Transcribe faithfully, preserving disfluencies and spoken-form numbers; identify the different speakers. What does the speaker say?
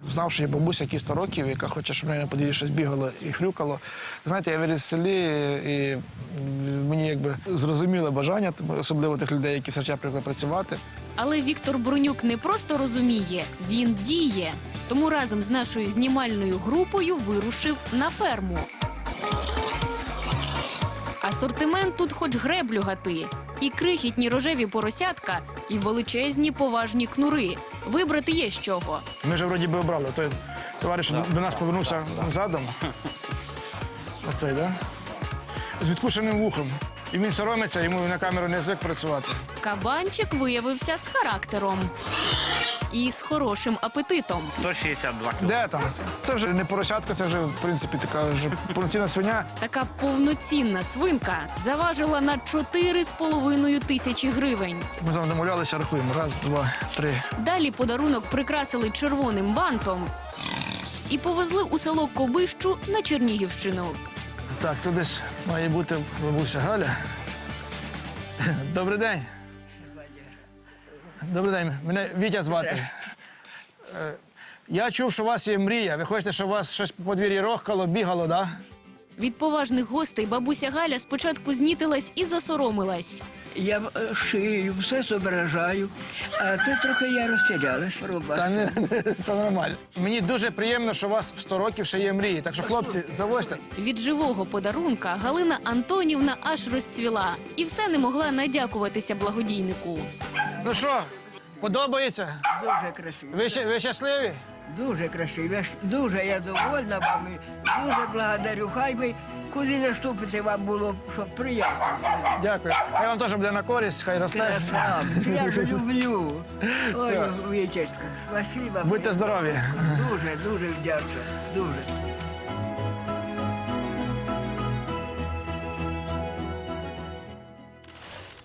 Speaker 1: знав, що є бабуся, які сто років, яка хоче, щоб в неї на подвір'ї щось бігало і хрюкало. Знаєте, я виріс в селі, і мені якби зрозуміле бажання, особливо тих людей, які все життя привикли працювати.
Speaker 2: Але Віктор Бронюк не просто розуміє, він діє. Тому разом з нашою знімальною групою вирушив на ферму. Асортимент тут хоч греблю гати. І крихітні рожеві поросятка, і величезні поважні кнури. Вибрати є з чого.
Speaker 1: Ми вже вроді би обрали. Той товариш до нас повернувся задом. Оцей, да? З відкушеним вухом. І він соромиться, йому на камеру не звик працювати.
Speaker 2: Кабанчик виявився з характером. І з хорошим апетитом.
Speaker 3: сто шістдесят два кілограми.
Speaker 1: Де там? Це вже не поросятка, це вже, в принципі, така вже повноцінна свиня.
Speaker 2: Така повноцінна свинка заважила на чотири з половиною тисячі гривень.
Speaker 1: Ми там домовлялися, рахуємо. Раз, два, три.
Speaker 2: Далі подарунок прикрасили червоним бантом і повезли у село Кобищу на Чернігівщину.
Speaker 1: Так, тут десь має бути бабуся Галя. Добрий день. Добрий день. Мене Вітя звати. Е, Я чув, що у вас є мрія. Ви хочете, щоб у вас щось по подвір'ї рохкало, бігало, так? Да?
Speaker 2: Від поважних гостей бабуся Галя спочатку знітилась і засоромилась.
Speaker 4: Я е, шию, все зображаю, а це трохи я розтірялась, роба.
Speaker 1: Та не, не, все нормально. Мені дуже приємно, що у вас в сто років ще є мрії. Так що, хлопці, завозьте.
Speaker 2: Від живого подарунка Галина Антонівна аж розцвіла і все не могла надякуватися благодійнику.
Speaker 1: Ну що, подобається?
Speaker 4: Дуже красиво.
Speaker 1: Ви, ща- ви щасливі?
Speaker 4: Дуже красиво. Я ж- Дуже я довольна вами. Дуже благодарю. Хай би куди наступити вам було, щоб приємно.
Speaker 1: Дякую. Хай вам теж буде на користь, хай росте.
Speaker 4: Красавці, я ж люблю.
Speaker 1: Все.
Speaker 4: Ой, Вітечка, спасибо.
Speaker 1: Будьте здорові.
Speaker 4: Дуже, дуже вдячна. Дуже.